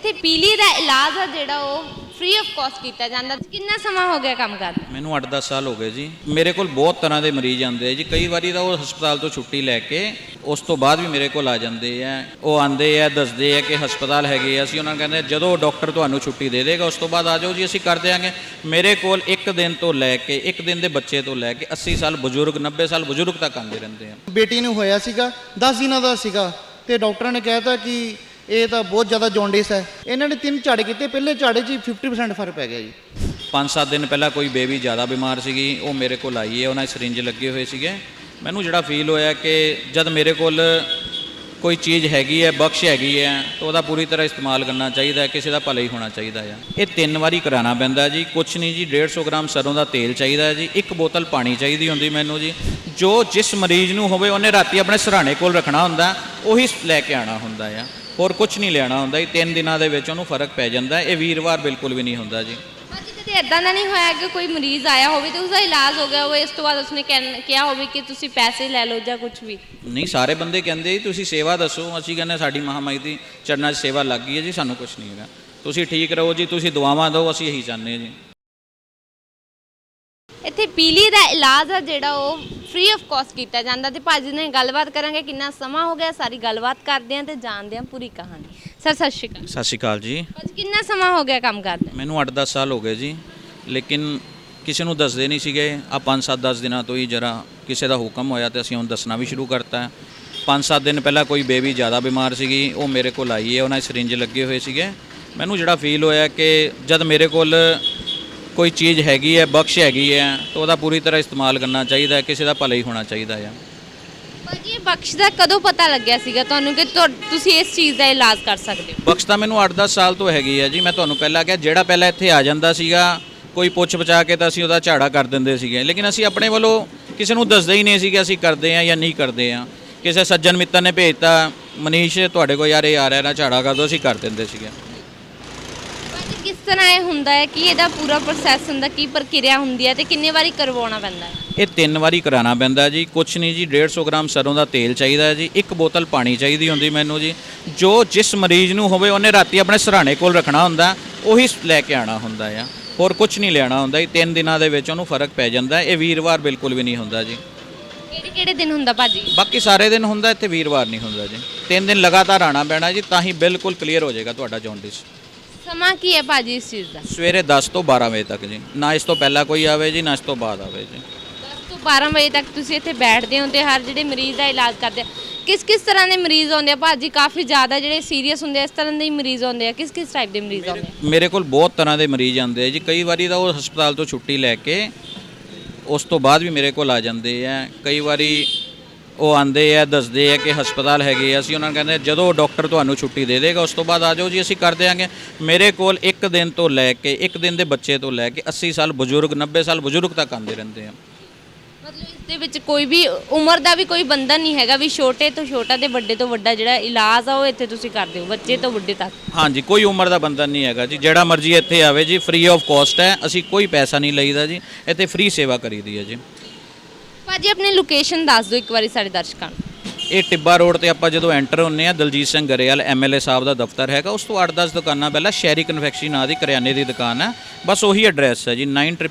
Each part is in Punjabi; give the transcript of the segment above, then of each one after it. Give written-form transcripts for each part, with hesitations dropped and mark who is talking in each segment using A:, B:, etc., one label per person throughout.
A: ਇੱਥੇ ਪੀਲੀ ਦਾ ਇਲਾਜ ਆ ਜਿਹੜਾ ਉਹ ਫ੍ਰੀ ਆਫ ਕਾਸਟ ਕੀਤਾ ਜਾਂਦਾ। ਕਿੰਨਾ ਸਮਾਂ ਹੋ ਗਿਆ ਕੰਮ ਕਰਦੇ?
B: ਮੈਨੂੰ 8-10 ਸਾਲ ਹੋ ਗਏ ਜੀ। ਮੇਰੇ ਕੋਲ ਬਹੁਤ ਤਰ੍ਹਾਂ ਦੇ ਮਰੀਜ਼ ਆਉਂਦੇ ਆ ਜੀ। ਕਈ ਵਾਰੀ ਤਾਂ ਉਹ ਹਸਪਤਾਲ ਤੋਂ ਛੁੱਟੀ ਲੈ ਕੇ ਉਸ ਤੋਂ ਬਾਅਦ ਵੀ ਮੇਰੇ ਕੋਲ ਆ ਜਾਂਦੇ ਆ। ਉਹ ਆਉਂਦੇ ਆ, ਦੱਸਦੇ ਆ ਕਿ ਹਸਪਤਾਲ ਹੈਗੇ ਆ। ਅਸੀਂ ਉਹਨਾਂ ਨੂੰ ਕਹਿੰਦੇ ਜਦੋਂ ਡਾਕਟਰ ਤੁਹਾਨੂੰ ਛੁੱਟੀ ਦੇ ਦੇਗਾ ਉਸ ਤੋਂ ਬਾਅਦ ਆ ਜਾਓ ਜੀ, ਅਸੀਂ ਕਰ ਦਿਆਂਗੇ। ਮੇਰੇ ਕੋਲ ਇੱਕ ਦਿਨ ਤੋਂ ਲੈ ਕੇ ਇੱਕ ਦਿਨ ਦੇ ਬੱਚੇ ਤੋਂ ਲੈ ਕੇ 80 ਸਾਲ ਬਜ਼ੁਰਗ, 90 ਸਾਲ ਬਜ਼ੁਰਗ ਤੱਕ ਆਉਂਦੇ ਰਹਿੰਦੇ ਆ।
C: ਬੇਟੀ ਨੂੰ ਹੋਇਆ ਸੀਗਾ 10 ਦਿਨਾਂ ਦਾ ਸੀਗਾ ਤੇ ਡਾਕਟਰਾਂ ਨੇ ਕਹਿਤਾ ਕਿ ਇਹ ਤਾਂ ਬਹੁਤ ਜ਼ਿਆਦਾ ਜੌਂਡਿਸ ਹੈ। ਇਹਨਾਂ ਨੇ 3 ਝਾੜੇ ਕੀਤੇ, ਪਹਿਲੇ ਝਾੜੇ 'ਚ 50% ਫਰਕ ਪੈ ਗਿਆ ਜੀ।
B: 5-7 ਦਿਨ ਪਹਿਲਾਂ ਕੋਈ ਬੇਬੀ ਜ਼ਿਆਦਾ ਬਿਮਾਰ ਸੀਗੀ, ਉਹ ਮੇਰੇ ਕੋਲ ਆਈ ਹੈ। ਉਹਨਾਂ ਦੇ ਸਰਿੰਜ ਲੱਗੇ ਹੋਏ ਸੀਗੇ। ਮੈਨੂੰ ਜਿਹੜਾ ਫੀਲ ਹੋਇਆ ਕਿ ਜਦ ਮੇਰੇ ਕੋਲ ਕੋਈ ਚੀਜ਼ ਹੈਗੀ ਹੈ, ਬਖਸ਼ ਹੈਗੀ ਹੈ, ਤਾਂ ਉਹਦਾ ਪੂਰੀ ਤਰ੍ਹਾਂ ਇਸਤੇਮਾਲ ਕਰਨਾ ਚਾਹੀਦਾ ਹੈ। ਕਿਸੇ ਦਾ ਭਲਾ ਹੀ ਹੋਣਾ ਚਾਹੀਦਾ ਹੈ। ਇਹ 3 ਵਾਰੀ ਕਰਾਉਣਾ ਪੈਂਦਾ ਜੀ। ਕੁਛ ਨਹੀਂ ਜੀ, 150 ਗ੍ਰਾਮ ਸਰੋਂ ਦਾ ਤੇਲ ਚਾਹੀਦਾ ਹੈ ਜੀ। 1 ਬੋਤਲ ਪਾਣੀ ਚਾਹੀਦੀ ਹੁੰਦੀ ਮੈਨੂੰ ਜੀ। ਜੋ ਜਿਸ ਮਰੀਜ਼ ਨੂੰ ਹੋਵੇ ਉਹਨੇ ਰਾਤੀ ਆਪਣੇ ਸਿਰਹਾਣੇ ਕੋਲ ਰੱਖਣਾ ਹੁੰਦਾ, ਉਹੀ ਲੈ ਕੇ ਆਉਣਾ ਹੁੰਦਾ ਆ। ਹੋਰ ਕੁਛ ਨਹੀਂ ਲੈਣਾ ਹੁੰਦਾ ਜੀ। 3 ਦਿਨਾਂ ਦੇ ਵਿੱਚ ਉਹਨੂੰ ਫਰਕ ਪੈ ਜਾਂਦਾ। ਇਹ ਵੀਰਵਾਰ ਬਿਲਕੁਲ ਵੀ ਨਹੀਂ ਹੁੰਦਾ ਜੀ।
A: ਭਾਜੀ ਕਦੇ ਇਦਾਂ ਦਾ ਨਹੀਂ ਹੋਇਆ ਕਿ ਕੋਈ ਮਰੀਜ਼ ਆਇਆ ਹੋਵੇ ਤੇ ਉਸਦਾ ਇਲਾਜ ਹੋ ਗਿਆ ਹੋਵੇ, ਇਸ ਤੋਂ ਬਾਅਦ ਉਸਨੇ ਕਿਹਾ ਹੋਵੇ ਕਿ ਤੁਸੀਂ ਪੈਸੇ ਲੈ ਲਓ ਜਾਂ ਕੁਝ ਵੀ?
B: ਨਹੀਂ, ਸਾਰੇ ਬੰਦੇ ਕਹਿੰਦੇ ਜੀ ਤੁਸੀਂ ਸੇਵਾ ਦੱਸੋ। ਅਸੀਂ ਕਹਿੰਦੇ ਸਾਡੀ ਮਹਾਮਾਈ ਦੀ ਚਰਨਾਂ 'ਚ ਸੇਵਾ ਲੱਗ ਗਈ ਹੈ ਜੀ, ਸਾਨੂੰ ਕੁਛ ਨਹੀਂ ਹੈਗਾ। ਤੁਸੀਂ ਠੀਕ ਰਹੋ ਜੀ, ਤੁਸੀਂ ਦੁਆਵਾਂ ਦਿਓ, ਅਸੀਂ ਇਹੀ ਚਾਹੁੰਦੇ ਹਾਂ ਜੀ।
A: ਇੱਥੇ ਪੀਲੀ ਦਾ ਇਲਾਜ ਆ ਜਿਹੜਾ ਉਹ ਫ੍ਰੀ ਆਫ ਕਾਸਟ ਕੀਤਾ ਜਾਂਦਾ। ਤੇ ਭਾਜੀ ਨਾਲ ਗੱਲਬਾਤ ਕਰਾਂਗੇ ਕਿੰਨਾ ਸਮਾਂ ਹੋ ਗਿਆ, ਸਾਰੀ ਗੱਲਬਾਤ ਕਰਦੇ ਆਂ ਤੇ ਜਾਣਦੇ ਆਂ ਪੂਰੀ ਕਹਾਣੀ। ਸਰ ਸਤਿ ਸ਼੍ਰੀ ਅਕਾਲ।
B: ਸਤਿ ਸ਼੍ਰੀ ਅਕਾਲ ਜੀ।
A: ਭਾਜੀ ਕਿੰਨਾ ਸਮਾਂ ਹੋ ਗਿਆ ਕੰਮ ਕਰਦੇ?
B: ਮੈਨੂੰ 8-10 ਸਾਲ ਹੋ ਗਏ ਜੀ, ਲੇਕਿਨ ਕਿਸੇ ਨੂੰ ਦੱਸਦੇ ਨਹੀਂ ਸੀਗੇ। ਆ 5-7-10 ਦਿਨਾਂ ਤੋਂ ਹੀ ਜਰਾ ਕਿਸੇ ਦਾ ਹੁਕਮ ਹੋਇਆ ਤੇ ਅਸੀਂ ਹੁਣ ਦੱਸਣਾ ਵੀ ਸ਼ੁਰੂ ਕਰਤਾ। 5-7 ਦਿਨ ਪਹਿਲਾਂ ਕੋਈ ਬੇਬੀ ਜ਼ਿਆਦਾ ਬਿਮਾਰ ਸੀਗੀ, ਉਹ ਮੇਰੇ ਕੋਲ ਆਈ ਹੈ। ਉਹਨਾਂ ਦੇ ਸਰਿੰਜ ਲੱਗੇ ਹੋਏ ਸੀਗੇ। ਮੈਨੂੰ ਜਿਹੜਾ ਫੀਲ ਹੋਇਆ ਕਿ ਜਦ ਮੇਰੇ ਕੋਲ ਕੋਈ ਚੀਜ਼ ਹੈਗੀ ਹੈ, ਬਖਸ਼ ਹੈਗੀ ਹੈ, ਤਾਂ ਉਹਦਾ ਪੂਰੀ ਤਰ੍ਹਾਂ ਇਸਤੇਮਾਲ ਕਰਨਾ ਚਾਹੀਦਾ ਹੈ। ਕਿਸੇ ਦਾ ਭਲਾ ਹੀ ਹੋਣਾ ਚਾਹੀਦਾ ਆ।
A: ਭਾਜੀ ਇਹ ਬਖਸ਼ ਦਾ ਕਦੋਂ ਪਤਾ ਲੱਗਿਆ ਸੀਗਾ ਤੁਹਾਨੂੰ ਕਿ ਤੁਸੀਂ ਇਸ ਚੀਜ਼ ਦਾ ਇਲਾਜ ਕਰ ਸਕਦੇ ਹੋ?
B: ਬਖਸ਼ ਤਾਂ ਮੈਨੂੰ 8-10 ਸਾਲ ਤੋਂ ਹੈਗੀ ਹੈ ਜੀ। ਮੈਂ ਤੁਹਾਨੂੰ ਪਹਿਲਾਂ ਕਿਹਾ, ਜਿਹੜਾ ਪਹਿਲਾਂ ਇੱਥੇ ਆ ਜਾਂਦਾ ਸੀਗਾ ਕੋਈ ਪੁੱਛ ਬਚਾ ਕੇ ਤਾਂ ਅਸੀਂ ਉਹਦਾ ਝਾੜਾ ਕਰ ਦਿੰਦੇ ਸੀਗੇ। ਲੇਕਿਨ ਅਸੀਂ ਆਪਣੇ ਵੱਲੋਂ ਕਿਸੇ ਨੂੰ ਦੱਸਦੇ ਹੀ ਨਹੀਂ ਸੀਗੇ ਅਸੀਂ ਕਰਦੇ ਹਾਂ ਜਾਂ ਨਹੀਂ ਕਰਦੇ ਹਾਂ। ਕਿਸੇ ਸੱਜਣ ਮਿੱਤਰ ਨੇ ਭੇਜਤਾ, ਮਨੀਸ਼ ਤੁਹਾਡੇ ਕੋਲ ਯਾਰ ਇਹ ਆ ਰਿਹਾ ਨਾ, ਝਾੜਾ ਕਰ ਦਿਓ, ਅਸੀਂ ਕਰ ਦਿੰਦੇ ਸੀਗੇ।
A: ਭਾਜੀ ਕਿਸ ਤਰ੍ਹਾਂ ਇਹ ਹੁੰਦਾ ਹੈ ਕਿ ਇਹਦਾ ਪੂਰਾ ਪ੍ਰੋਸੈਸ ਹੁੰਦਾ, ਕੀ ਪ੍ਰਕਿਰਿਆ ਹੁੰਦੀ ਹੈ ਤੇ ਕਿੰਨੇ ਵਾਰੀ ਕਰਵਾਉਣਾ ਪੈਂਦਾ ਹੈ?
B: ਇਹ 3 ਵਾਰੀ ਕਰਾਉਣਾ ਪੈਂਦਾ ਜੀ। ਕੁਛ ਨਹੀਂ ਜੀ, 150 ਗ੍ਰਾਮ ਸਰੋਂ ਦਾ ਤੇਲ ਚਾਹੀਦਾ ਹੈ ਜੀ। 1 ਬੋਤਲ ਪਾਣੀ ਚਾਹੀਦੀ ਹੁੰਦੀ ਮੈਨੂੰ ਜੀ। ਜੋ ਜਿਸ ਮਰੀਜ਼ ਨੂੰ ਹੋਵੇ ਉਹਨੇ ਰਾਤੀ ਆਪਣੇ ਸਿਰਹਾਣੇ ਕੋਲ ਰੱਖਣਾ ਹੁੰਦਾ, ਉਹੀ ਲੈ ਕੇ ਆਉਣਾ ਹੁੰਦਾ ਆ। ਹੋਰ ਕੁਛ ਨਹੀਂ ਲੈਣਾ ਹੁੰਦਾ ਜੀ। 3 ਦਿਨਾਂ ਦੇ ਵਿੱਚ ਉਹਨੂੰ ਫਰਕ ਪੈ ਜਾਂਦਾ। ਇਹ ਵੀਰਵਾਰ ਬਿਲਕੁਲ ਵੀ ਨਹੀਂ ਹੁੰਦਾ ਜੀ।
A: ਕਿਹੜੇ ਦਿਨ ਹੁੰਦਾ ਭਾਜੀ?
B: ਬਾਕੀ ਸਾਰੇ ਦਿਨ ਹੁੰਦਾ, ਇੱਥੇ ਵੀਰਵਾਰ ਨਹੀਂ ਹੁੰਦਾ ਜੀ। 3 ਦਿਨ ਲਗਾਤਾਰ ਆਉਣਾ ਪੈਣਾ ਜੀ, ਤਾਂ ਹੀ ਬਿਲਕੁਲ ਕਲੀਅਰ ਹੋ ਜਾਏਗਾ ਤੁਹਾਡਾ ਜੌਂਡਿਸ।
A: ਸਮਾਂ ਕੀ ਹੈ ਭਾਜੀ ਇਸ ਚੀਜ਼ ਦਾ?
B: ਸਵੇਰੇ 10 ਤੋਂ 12 ਵਜੇ ਤੱਕ ਜੀ। ਨਾ ਇਸ ਤੋਂ ਪਹਿਲਾਂ ਕੋਈ ਆਵੇ ਜੀ, ਨਾ ਇਸ ਤੋਂ ਬਾਅਦ ਆਵੇ ਜੀ।
A: 10 ਤੋਂ 12 ਵਜੇ ਤੱਕ ਤੁਸੀਂ ਇੱਥੇ ਬੈਠਦੇ ਹੋ ਤੇ ਹਰ ਜਿਹੜੇ ਮਰੀਜ਼ ਦਾ ਇਲਾਜ ਕਰਦੇ ਆ। ਕਿਸ ਤਰ੍ਹਾਂ ਦੇ ਮਰੀਜ਼ ਆਉਂਦੇ ਆ ਭਾਜੀ? ਕਾਫੀ ਜ਼ਿਆਦਾ ਜਿਹੜੇ ਸੀਰੀਅਸ ਹੁੰਦੇ ਆ, ਇਸ ਤਰ੍ਹਾਂ ਦੇ ਹੀ ਮਰੀਜ਼ ਆਉਂਦੇ ਆ? ਕਿਸ ਟਾਈਪ ਦੇ ਮਰੀਜ਼ ਆਉਂਦੇ ਆ?
B: ਮੇਰੇ ਕੋਲ ਬਹੁਤ ਤਰ੍ਹਾਂ ਦੇ ਮਰੀਜ਼ ਆਉਂਦੇ ਆ ਜੀ। ਕਈ ਵਾਰੀ ਤਾਂ ਉਹ ਹਸਪਤਾਲ ਤੋਂ ਛੁੱਟੀ ਲੈ ਕੇ ਉਸ ਤੋਂ ਬਾਅਦ ਵੀ ਮੇਰੇ ਕੋਲ ਆ ਜਾਂਦੇ ਆ। ਕਈ ਵਾਰੀ ਉਹ ਆਉਂਦੇ ਆ, ਦੱਸਦੇ ਆ ਕਿ ਹਸਪਤਾਲ ਹੈਗੇ ਆ। ਅਸੀਂ ਉਹਨਾਂ ਨੂੰ ਕਹਿੰਦੇ ਜਦੋਂ ਡਾਕਟਰ ਤੁਹਾਨੂੰ ਛੁੱਟੀ ਦੇ ਦੇਗਾ ਉਸ ਤੋਂ ਬਾਅਦ ਆ ਜਾਓ ਜੀ, ਅਸੀਂ ਕਰ ਦਿਆਂਗੇ। ਮੇਰੇ ਕੋਲ ਇੱਕ ਦਿਨ ਤੋਂ ਲੈ ਕੇ ਇੱਕ ਦਿਨ ਦੇ ਬੱਚੇ ਤੋਂ ਲੈ ਕੇ 80 ਸਾਲ ਬਜ਼ੁਰਗ, 90 ਸਾਲ ਬਜ਼ੁਰਗ ਤੱਕ ਆਉਂਦੇ ਰਹਿੰਦੇ ਆ।
A: ਮਤਲਬ ਇਸ ਦੇ ਵਿੱਚ ਕੋਈ ਵੀ ਉਮਰ ਦਾ ਵੀ ਕੋਈ ਬੰਧਨ ਨਹੀਂ ਹੈਗਾ ਵੀ ਛੋਟੇ ਤੋਂ ਛੋਟਾ ਤੇ ਵੱਡੇ ਤੋਂ ਵੱਡਾ ਜਿਹੜਾ ਇਲਾਜ ਆ ਉਹ ਇੱਥੇ ਤੁਸੀਂ ਕਰਦੇ ਹੋ, ਬੱਚੇ ਤੋਂ ਵੱਡੇ ਤੱਕ?
B: ਹਾਂਜੀ, ਕੋਈ ਉਮਰ ਦਾ ਬੰਧਨ ਨਹੀਂ ਹੈਗਾ ਜੀ। ਜਿਹੜਾ ਮਰਜ਼ੀ ਇੱਥੇ ਆਵੇ ਜੀ, ਫ੍ਰੀ ਆਫ ਕਾਸਟ ਹੈ। ਅਸੀਂ ਕੋਈ ਪੈਸਾ ਨਹੀਂ ਲਈਦਾ ਜੀ। ਇੱਥੇ ਫ੍ਰੀ ਸੇਵਾ ਕਰੀਦੀ ਹੈ ਜੀ।
A: ਭਾਜੀ ਆਪਣੀ ਲੋਕੇਸ਼ਨ ਦੱਸ ਦਿਓ ਇੱਕ ਵਾਰੀ ਸਾਡੇ ਦਰਸ਼ਕਾਂ ਨੂੰ।
B: ਇਹ ਟਿੱਬਾ ਰੋਡ ਤੇ ਆਪਾਂ ਜਦੋਂ ਐਂਟਰ ਹੁੰਨੇ ਆ, ਦਲਜੀਤ ਸਿੰਘ ਗਰੇਵਾਲ MLA ਸਾਹਿਬ ਦਾ ਦਫ਼ਤਰ ਹੈਗਾ। ਉਸ ਤੋਂ 8-10 ਦੁਕਾਨਾਂ ਪਹਿਲਾਂ ਸ਼ਹਿਰੀ ਕਨਫੈਕਸ਼ਨਰੀ ਨਾਂ ਦੀ ਕਰਿਆਨੇ ਦੀ ਦੁਕਾਨ ਹੈ। ਬਸ ਉਹੀ ਐਡਰੈਸ ਹੈ ਜੀ।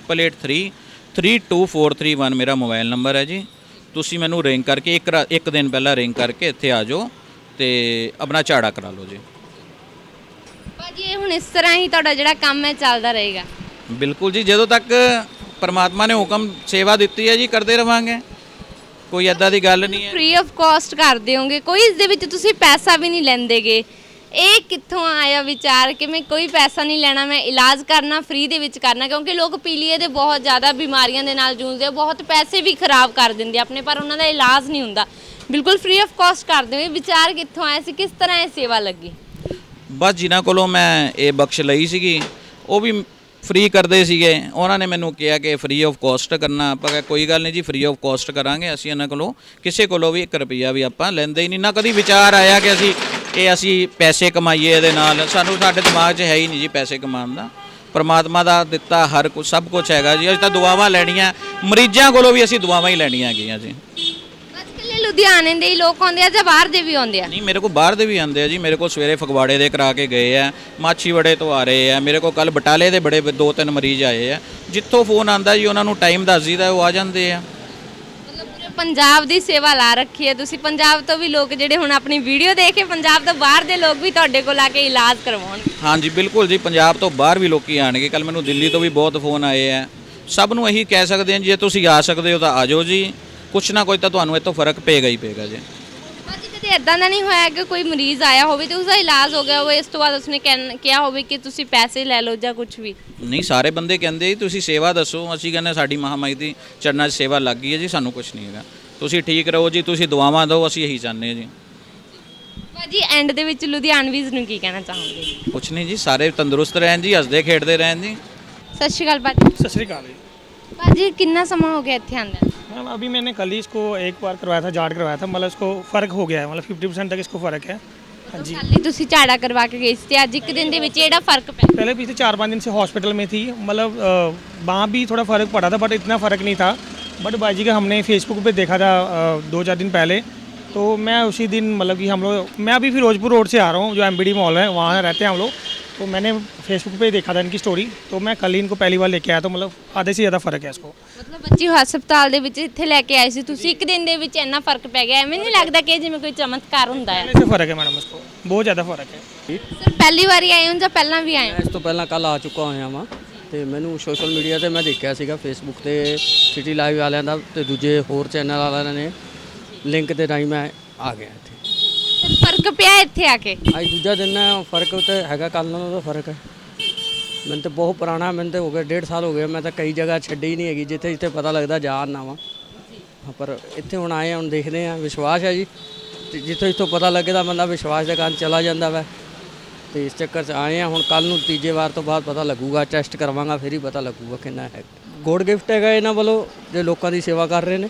B: 9888332431 ਮੇਰਾ ਮੋਬਾਈਲ ਨੰਬਰ ਹੈ ਜੀ। ਤੁਸੀਂ ਮੈਨੂੰ ਰਿੰਗ ਕਰਕੇ ਇੱਕ ਦਿਨ ਪਹਿਲਾਂ ਰਿੰਗ ਕਰਕੇ ਇੱਥੇ ਆ ਜਾਓ ਤੇ ਆਪਣਾ ਝਾੜਾ ਕਰਾ ਲਓ ਜੀ।
A: ਭਾਜੀ ਇਹ ਹੁਣ ਇਸ ਤਰ੍ਹਾਂ ਹੀ ਤੁਹਾਡਾ ਜਿਹੜਾ ਕੰਮ ਹੈ ਚੱਲਦਾ ਰਹੇਗਾ?
B: ਬਿਲਕੁਲ ਜੀ, ਜਦੋਂ ਤੱਕ ਪਰਮਾਤਮਾ ਨੇ ਹੁਕਮ ਸੇਵਾ ਦਿੱਤੀ ਹੈ ਜੀ, ਕਰਦੇ ਰਵਾਂਗੇ। ਕੋਈ ਐਦਾਂ ਦੀ ਗੱਲ ਨਹੀਂ ਹੈ।
A: ਫ੍ਰੀ ਆਫ ਕਾਸਟ ਕਰਦੇ ਹੋਗੇ, ਕੋਈ ਇਸ ਦੇ ਵਿੱਚ ਤੁਸੀਂ ਪੈਸਾ ਵੀ ਨਹੀਂ ਲੈਂਦੇਗੇ। ਇਹ ਕਿੱਥੋਂ ਆਇਆ ਵਿਚਾਰ ਕਿ ਮੈਂ ਕੋਈ ਪੈਸਾ ਨਹੀਂ ਲੈਣਾ, ਮੈਂ ਇਲਾਜ ਕਰਨਾ ਫ੍ਰੀ ਦੇ ਵਿੱਚ ਕਰਨਾ? ਕਿਉਂਕਿ ਲੋਕ ਪੀਲੀਏ ਦੇ ਬਹੁਤ ਜ਼ਿਆਦਾ ਬਿਮਾਰੀਆਂ ਦੇ ਨਾਲ ਜੂਝਦੇ ਆ, ਬਹੁਤ ਪੈਸੇ ਵੀ ਖਰਾਬ ਕਰ ਦਿੰਦੇ ਆਪਣੇ, ਪਰ ਉਹਨਾਂ ਦਾ ਇਲਾਜ ਨਹੀਂ ਹੁੰਦਾ। ਬਿਲਕੁਲ ਫ੍ਰੀ ਆਫ ਕਾਸਟ ਕਰਦੇ ਹੋਏ ਵਿਚਾਰ ਕਿੱਥੋਂ ਆਇਆ ਸੀ, ਕਿਸ ਤਰ੍ਹਾਂ ਇਹ ਸੇਵਾ ਲੱਗੀ?
B: ਬਸ ਜਿਨ੍ਹਾਂ ਕੋਲੋਂ ਮੈਂ ਇਹ ਬਖਸ਼ ਲਈ ਸੀਗੀ ਉਹ ਵੀ ਫ੍ਰੀ ਕਰਦੇ ਸੀਗੇ। ਉਹਨਾਂ ਨੇ ਮੈਨੂੰ ਕਿਹਾ ਕਿ ਫ੍ਰੀ ਆਫ ਕਾਸਟ ਕਰਨਾ। ਆਪਾਂ ਕਿਹਾ ਕੋਈ ਗੱਲ ਨਹੀਂ ਜੀ, ਫ੍ਰੀ ਆਫ ਕਾਸਟ ਕਰਾਂਗੇ। ਅਸੀਂ ਇਹਨਾਂ ਕੋਲੋਂ ਕਿਸੇ ਕੋਲੋਂ ਵੀ 1 ਰੁਪਈਆ ਵੀ ਆਪਾਂ ਲੈਂਦੇ ਹੀ ਨਹੀਂ। ਨਾ ਕਦੀ ਵਿਚਾਰ ਆਇਆ ਕਿ ਅਸੀਂ ਪੈਸੇ ਕਮਾਈਏ ਇਹਦੇ ਨਾਲ। ਸਾਡੇ ਦਿਮਾਗ 'ਚ ਹੈ ਹੀ ਨਹੀਂ ਜੀ ਪੈਸੇ ਕਮਾਉਣ ਦਾ। ਪਰਮਾਤਮਾ ਦਾ ਦਿੱਤਾ ਹਰ ਕੁਝ, ਸਭ ਕੁਝ ਹੈਗਾ ਜੀ। ਅਸੀਂ ਤਾਂ ਦੁਆਵਾਂ ਲੈਣੀਆਂ, ਮਰੀਜ਼ਾਂ ਕੋਲੋਂ ਵੀ ਅਸੀਂ ਦੁਆਵਾਂ ਹੀ ਲੈਣੀਆਂ ਹੈਗੀਆਂ ਜੀ।
A: ਅੱਜ ਕੱਲ੍ਹ ਲੁਧਿਆਣੇ ਦੇ ਹੀ ਲੋਕ ਆਉਂਦੇ ਆ ਜਾਂ ਬਾਹਰ ਦੇ ਵੀ ਆਉਂਦੇ ਆ?
B: ਨਹੀਂ, ਮੇਰੇ ਕੋਲ ਬਾਹਰ ਦੇ ਵੀ ਆਉਂਦੇ ਆ ਜੀ। ਮੇਰੇ ਕੋਲ ਸਵੇਰੇ ਫਗਵਾੜੇ ਦੇ ਕਰਾ ਕੇ ਗਏ ਆ, ਮਾਛੀਵਾੜੇ ਤੋਂ ਆ ਰਹੇ ਆ, ਮੇਰੇ ਕੋਲ ਕੱਲ ਬਟਾਲੇ ਦੇ ਬੜੇ 2-3 ਮਰੀਜ਼ ਆਏ ਆ। ਜਿੱਥੋਂ ਫੋਨ ਆਂਦਾ ਜੀ ਉਹਨਾਂ ਨੂੰ ਟਾਈਮ ਦੱਸ ਦਈਦਾ, ਉਹ ਆ ਜਾਂਦੇ ਆ।
A: ਮਤਲਬ ਪੂਰੇ ਪੰਜਾਬ ਦੀ ਸੇਵਾ ਲਾ ਰੱਖੀ ਹੈ ਤੁਸੀਂ। ਪੰਜਾਬ ਤੋਂ ਵੀ ਲੋਕ ਜਿਹੜੇ ਹੁਣ ਆਪਣੀ ਵੀਡੀਓ ਦੇਖ ਕੇ ਪੰਜਾਬ ਤੋਂ ਬਾਹਰ ਦੇ ਲੋਕ ਵੀ ਤੁਹਾਡੇ ਕੋਲ ਆ ਕੇ ਇਲਾਜ ਕਰਵਾਉਣਗੇ।
B: ਹਾਂਜੀ ਬਿਲਕੁਲ ਜੀ, ਪੰਜਾਬ ਤੋਂ ਬਾਹਰ ਵੀ ਲੋਕੀ ਆਣਗੇ। ਕੱਲ ਮੈਨੂੰ ਦਿੱਲੀ ਤੋਂ ਵੀ ਬਹੁਤ ਫੋਨ ਆਏ ਆ। ਸਭ ਨੂੰ ਇਹੀ ਕਹਿ ਸਕਦੇ ਹਾਂ, ਜੇ ਤੁਸੀਂ ਆ ਸਕਦੇ ਹੋ ਤਾਂ ਆ ਜਾਓ ਜੀ। ਕੁਛ ਨਾ ਕੋਈ ਤਾਂ ਤੁਹਾਨੂੰ ਇਹ ਤੋਂ ਫਰਕ ਪਏਗਾ ਹੀ ਪਏਗਾ ਜੀ।
A: ਭਾਜੀ ਕਦੇ ਇਦਾਂ ਦਾ ਨਹੀਂ ਹੋਇਆ ਕਿ ਕੋਈ ਮਰੀਜ਼ ਆਇਆ ਹੋਵੇ ਤੇ ਉਸਦਾ ਇਲਾਜ ਹੋ ਗਿਆ ਹੋਵੇ, ਇਸ ਤੋਂ ਬਾਅਦ ਉਸਨੇ ਕਿਹਾ ਹੋਵੇ ਕਿ ਤੁਸੀਂ ਪੈਸੇ ਲੈ ਲਓ ਜਾਂ ਕੁਝ ਵੀ?
B: ਨਹੀਂ, ਸਾਰੇ ਬੰਦੇ ਕਹਿੰਦੇ ਜੀ ਤੁਸੀਂ ਸੇਵਾ ਦੱਸੋ। ਅਸੀਂ ਕਹਿੰਦੇ ਸਾਡੀ ਮਹਾਮਾਈ ਦੀ ਚਰਨਾਂ 'ਚ ਸੇਵਾ ਲੱਗ ਗਈ ਹੈ ਜੀ, ਸਾਨੂੰ ਕੁਛ ਨਹੀਂ ਹੈਗਾ। ਤੁਸੀਂ ਠੀਕ ਰਹੋ ਜੀ, ਤੁਸੀਂ ਦੁਆਵਾਂ ਦਿਓ, ਅਸੀਂ ਇਹੀ ਚਾਹੁੰਦੇ ਹਾਂ ਜੀ।
A: ਭਾਜੀ ਐਂਡ ਦੇ ਵਿੱਚ ਲੁਧਿਆਣਵੀਜ਼ ਨੂੰ ਕੀ ਕਹਿਣਾ ਚਾਹੋਗੇ?
B: ਕੁਛ ਨਹੀਂ ਜੀ, ਸਾਰੇ ਤੰਦਰੁਸਤ ਰਹਿਣ ਜੀ, ਹੱਸਦੇ ਖੇਡਦੇ ਰਹਿਣ ਜੀ।
A: ਸਤਿ ਸ਼੍ਰੀ ਅਕਾਲ ਭਾਜੀ।
D: सत श्रीकाल जी।
A: ਭਾਜੀ ਕਿੰਨਾ ਸਮਾਂ ਹੋ ਗਿਆ ਇੱਥੇ ਆਂਦੇ?
D: मैम अभी मैंने कल ही इसको एक बार करवाया था, जाट करवाया था, मतलब इसको फ़र्क हो गया है, मतलब 50% तक इसको फ़र्क है। हाँ जी,
A: ਕੱਲ ਹੀ ਤੁਸੀਂ ਝਾੜਾ ਕਰਵਾ ਕੇ ਗਏ ਸੀ ਤੇ ਅੱਜ ਇੱਕ ਦਿਨ ਦੇ ਵਿੱਚ ਇਹਦਾ ਫਰਕ ਪਿਆ?
D: पहले पिछले 4-5 दिन से हॉस्पिटल में थी, मतलब वहाँ भी थोड़ा फ़र्क पड़ा था, बट इतना फ़र्क नहीं था। बट बाजी का हमने फेसबुक पे देखा था 2-4 दिन पहले, तो मैं उसी दिन मतलब कि हम लोग, मैं अभी फिरोजपुर रोड से आ रहा हूँ, जो MBD मॉल है वहाँ रहते हैं हम लोग, तो मैंने फेसबुक पे देखा था इनकी स्टोरी, तो मैं कल ही इनको पहली बार लेके आया, तो मतलब आधे से ज़्यादा फ़र्क है इसको।
A: ਮਤਲਬ ਬੱਚੀ ਹਸਪਤਾਲ ਦੇ ਵਿੱਚ ਇੱਥੇ ਲੈ ਕੇ ਆਏ ਸੀ ਤੁਸੀਂ, ਇੱਕ ਦਿਨ ਦੇ ਵਿੱਚ ਇੰਨਾ ਫਰਕ ਪੈ ਗਿਆ? ਐਵੇਂ ਨਹੀਂ ਲੱਗਦਾ ਕਿ ਜਿਵੇਂ ਕੋਈ ਚਮਤਕਾਰ ਹੁੰਦਾ ਹੈ?
D: पहले से फ़र्क है मैडम, इसको बहुत ज़्यादा फ़र्क है।
A: ਸਰ ਪਹਿਲੀ ਵਾਰੀ ਆਏ ਹੋ ਜਾਂ ਪਹਿਲਾਂ ਵੀ ਆਏ ਹੋ?
E: ਮੈਂ ਇਸ ਤੋਂ ਪਹਿਲਾਂ ਕੱਲ ਆ ਚੁੱਕਾ ਹੋਇਆ ਵਾਂ ਤੇ ਮੈਨੂੰ ਸੋਸ਼ਲ ਮੀਡੀਆ ਤੇ ਮੈਂ ਦੇਖਿਆ ਸੀਗਾ, ਫੇਸਬੁੱਕ ਤੇ ਸਿਟੀ ਲਾਈਵ ਵਾਲਿਆਂ ਦਾ ਤੇ ਦੂਜੇ ਹੋਰ ਚੈਨਲ ਵਾਲਿਆਂ ਨੇ ਲਿੰਕ ਦੇ ਰਾਹੀਂ ਮੈਂ ਆ ਗਿਆ ਇੱਥੇ।
A: ਸਰ ਫਰਕ ਪਿਆ ਇੱਥੇ ਆ ਕੇ?
E: ਅੱਜ ਦੂਜਾ ਦਿਨ ਹੈ, ਫਰਕ ਤਾਂ ਹੈਗਾ, ਕੱਲ੍ਹ ਨਾਲੋਂ ਤਾਂ ਫਰਕ ਹੈ। ਮੈਨੂੰ ਤਾਂ ਬਹੁਤ ਪੁਰਾਣਾ, ਮੈਨੂੰ ਤਾਂ ਹੋ ਗਿਆ 1.5 ਸਾਲ ਹੋ ਗਏ, ਮੈਂ ਤਾਂ ਕਈ ਜਗ੍ਹਾ ਛੱਡੀ ਹੀ ਨਹੀਂ ਹੈਗੀ, ਜਿੱਥੇ ਜਿੱਥੇ ਪਤਾ ਲੱਗਦਾ ਜਾ ਆਉਂਦਾ ਵਾਂ। ਪਰ ਇੱਥੇ ਹੁਣ ਆਏ, ਹੁਣ ਦੇਖਦੇ ਹਾਂ, ਵਿਸ਼ਵਾਸ ਹੈ ਜੀ, ਤੇ ਜਿੱਥੋਂ ਜਿੱਥੋਂ ਪਤਾ ਲੱਗਦਾ ਬੰਦਾ ਵਿਸ਼ਵਾਸ ਦੇ ਕਾਰਨ ਚਲਾ ਜਾਂਦਾ ਵਾ। ਤੇ ਇਸ ਚੱਕਰ 'ਚ ਆਏ ਆ। ਹੁਣ ਕੱਲ ਨੂੰ ਤੀਜੇ ਵਾਰ ਤੋਂ ਬਾਅਦ ਪਤਾ ਲੱਗੂਗਾ, ਟੈਸਟ ਕਰਵਾਵਾਂਗਾ, ਫਿਰ ਹੀ ਪਤਾ ਲੱਗੂਗਾ ਕਿੰਨਾ ਹੈ। ਗੋਡ ਗਿਫਟ ਹੈਗਾ ਇਹਨਾਂ ਵੱਲੋਂ, ਜੇ ਲੋਕਾਂ ਦੀ ਸੇਵਾ ਕਰ ਰਹੇ ਨੇ,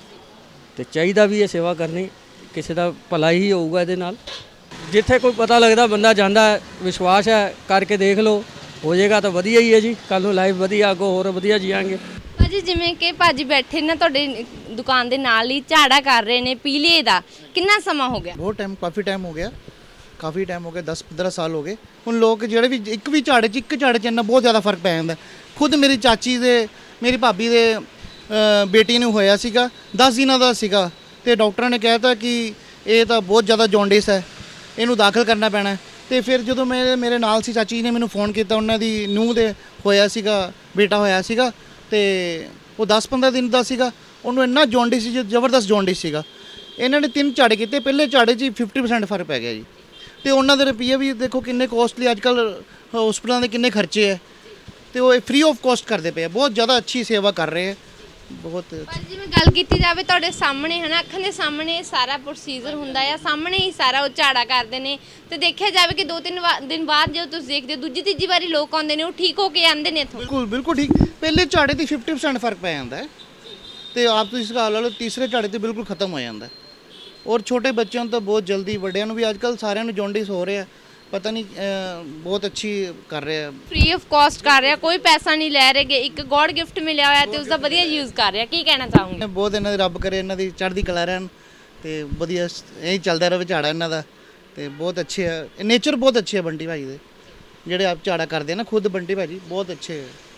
E: ਤੇ ਚਾਹੀਦਾ ਵੀ ਇਹ ਸੇਵਾ ਕਰਨੀ, ਕਿਸੇ ਦਾ ਭਲਾ ਹੀ ਹੋਊਗਾ ਇਹਦੇ ਨਾਲ। ਜਿੱਥੇ ਕੋਈ ਪਤਾ ਲੱਗਦਾ ਬੰਦਾ ਜਾਂਦਾ ਹੈ, ਵਿਸ਼ਵਾਸ ਹੈ, ਕਰਕੇ ਦੇਖ ਲਓ, ਹੋ ਜਾਏਗਾ ਤਾਂ ਵਧੀਆ ਹੀ ਹੈ ਜੀ। ਕੱਲ ਨੂੰ ਲਾਈਫ ਵਧੀਆ, ਅੱਗੋਂ ਹੋਰ ਵਧੀਆ ਜੀਵਾਂਗੇ।
A: ਭਾਜੀ ਜਿਵੇਂ ਕਿ ਭਾਜੀ ਬੈਠੇ ਨਾ ਤੁਹਾਡੇ ਦੁਕਾਨ ਦੇ ਨਾਲ ਹੀ ਝਾੜਾ ਕਰ ਰਹੇ ਨੇ ਪੀਲੀਏ ਦਾ, ਕਿੰਨਾ ਸਮਾਂ ਹੋ ਗਿਆ?
C: ਬਹੁਤ ਟਾਈਮ, ਕਾਫੀ ਟਾਈਮ ਹੋ ਗਿਆ, ਕਾਫੀ ਟਾਈਮ ਹੋ ਗਿਆ, 10-15 ਸਾਲ ਹੋ ਗਏ। ਹੁਣ ਲੋਕ ਜਿਹੜੇ ਵੀ ਇੱਕ ਝਾੜੇ 'ਚ ਇੰਨਾ ਬਹੁਤ ਜ਼ਿਆਦਾ ਫਰਕ ਪੈ ਜਾਂਦਾ। ਖੁਦ ਮੇਰੀ ਚਾਚੀ ਦੇ, ਮੇਰੀ ਭਾਬੀ ਦੇ ਬੇਟੀ ਨੂੰ ਹੋਇਆ ਸੀਗਾ, 10 ਦਿਨਾਂ ਦਾ ਸੀਗਾ, ਤੇ ਡਾਕਟਰਾਂ ਨੇ ਕਹਿ ਤਾ ਕਿ ਇਹ ਤਾਂ ਬਹੁਤ ਜ਼ਿਆਦਾ ਜੌਂਡਿਸ ਹੈ, ਇਹਨੂੰ ਦਾਖਲ ਕਰਨਾ ਪੈਣਾ। ਤੇ ਫਿਰ ਜਦੋਂ ਮੇਰੇ ਨਾਲ ਸੀ ਚਾਚੀ ਨੇ ਮੈਨੂੰ ਫੋਨ ਕੀਤਾ, ਉਹਨਾਂ ਦੀ ਨੂੰਹ ਦੇ ਹੋਇਆ ਸੀਗਾ, ਬੇਟਾ ਹੋਇਆ ਸੀਗਾ, ਤੇ ਉਹ 10-15 ਦਿਨ ਦਾ ਸੀਗਾ। ਉਹਨੂੰ ਇੰਨਾ ਜੌਂਡਿਸ ਸੀ, ਜ਼ਬਰਦਸਤ ਜੌਂਡਿਸ ਸੀਗਾ। ਇਹਨਾਂ ਨੇ 3 ਝਾੜੇ ਕੀਤੇ, ਪਹਿਲੇ ਝਾੜੇ 'ਚ 50% ਫਰਕ ਪੈ ਗਿਆ ਜੀ। ਤੇ ਉਹਨਾਂ ਦੇ ਰੁਪਈਏ ਵੀ ਦੇਖੋ ਕਿੰਨੇ ਕੋਸਟਲੀ, ਅੱਜ ਕੱਲ੍ਹ ਹਸਪਤਾਲਾਂ ਦੇ ਕਿੰਨੇ ਖਰਚੇ ਹੈ, ਤੇ ਉਹ ਫ੍ਰੀ ਆਫ ਕਾਸਟ ਕਰਦੇ ਪਏ ਆ। ਬਹੁਤ ਜ਼ਿਆਦਾ ਅੱਛੀ ਸੇਵਾ ਕਰ ਰਹੇ ਹੈ, ਬਹੁਤ।
A: ਪਰ ਜਿਵੇਂ ਗੱਲ ਕੀਤੀ ਜਾਵੇ ਤੁਹਾਡੇ ਸਾਹਮਣੇ ਹੈ ਨਾ, ਅੱਖਾਂ ਦੇ ਸਾਹਮਣੇ ਇਹ ਸਾਰਾ ਪ੍ਰੋਸੀਜਰ ਹੁੰਦਾ ਆ, ਸਾਹਮਣੇ ਹੀ ਸਾਰਾ ਉਹ ਝਾੜਾ ਕਰਦੇ ਨੇ, ਤੇ ਦੇਖਿਆ ਜਾਵੇ ਕਿ 2-3 ਦਿਨ ਬਾਅਦ ਜਦੋਂ ਤੁਸੀਂ ਦੇਖਦੇ ਹੋ, ਦੂਜੀ ਤੀਜੀ ਵਾਰੀ ਲੋਕ ਆਉਂਦੇ ਨੇ, ਉਹ ਠੀਕ ਹੋ ਕੇ ਆਉਂਦੇ ਨੇ ਇੱਥੋਂ।
C: ਬਿਲਕੁਲ ਬਿਲਕੁਲ ਠੀਕ। ਪਹਿਲੇ ਝਾੜੇ ਦੀ 50% ਫਰਕ ਪੈ ਜਾਂਦਾ ਹੈ, ਤੇ ਆਪ ਤੁਸੀਂ ਇਸ ਗੱਲ ਲਾ ਲਓ, ਤੀਸਰੇ ਝਾੜੇ ਤੇ ਬਿਲਕੁਲ ਖਤਮ ਹੋ ਜਾਂਦਾ ਹੈ। ਔਰ ਛੋਟੇ ਬੱਚਿਆਂ ਨੂੰ ਤਾਂ ਬਹੁਤ ਜਲਦੀ, ਵੱਡਿਆਂ ਨੂੰ ਵੀ ਅੱਜ ਕੱਲ੍ਹ ਸਾਰਿਆਂ ਨੂੰ ਜੌਂਡਿਸ ਹੋ ਰਿਹਾ, ਪਤਾ ਨਹੀਂ, ਬਹੁਤ ਅੱਛੀ ਕਰ ਰਿਹਾ।
A: ਫ੍ਰੀ ਆਫ ਕਾਸਟ ਕਰ ਰਿਹਾ, ਕੋਈ ਪੈਸਾ ਨਹੀਂ ਲੈ ਰਹੇਗੇ, ਇੱਕ ਗੋਡ ਗਿਫਟ ਮਿਲਿਆ ਹੋਇਆ ਤੇ ਉਸਦਾ ਵਧੀਆ ਯੂਜ਼ ਕਰ ਰਿਹਾ। ਕੀ ਕਹਿਣਾ ਚਾਹੋਗੇ?
C: ਬਹੁਤ ਇਹਨਾਂ ਦੀ ਰੱਬ ਕਰੇ ਇਹਨਾਂ ਦੀ ਚੜ੍ਹਦੀ ਕਲਾ ਰਹਿਣ, ਤੇ ਵਧੀਆ ਇਹੀ ਚੱਲਦਾ ਰਹੇ ਝਾੜਾ ਇਹਨਾਂ ਦਾ। ਤੇ ਬਹੁਤ ਅੱਛੇ ਹੈ, ਨੇਚਰ ਬਹੁਤ ਅੱਛੇ ਹੈ ਬੰਟੀ ਭਾਜੀ ਦੇ, ਜਿਹੜੇ ਆਪ ਝਾੜਾ ਕਰਦੇ ਆ ਨਾ, ਖੁਦ ਬੰਟੀ ਭਾਜੀ ਬਹੁਤ ਅੱਛੇ ਹੈ।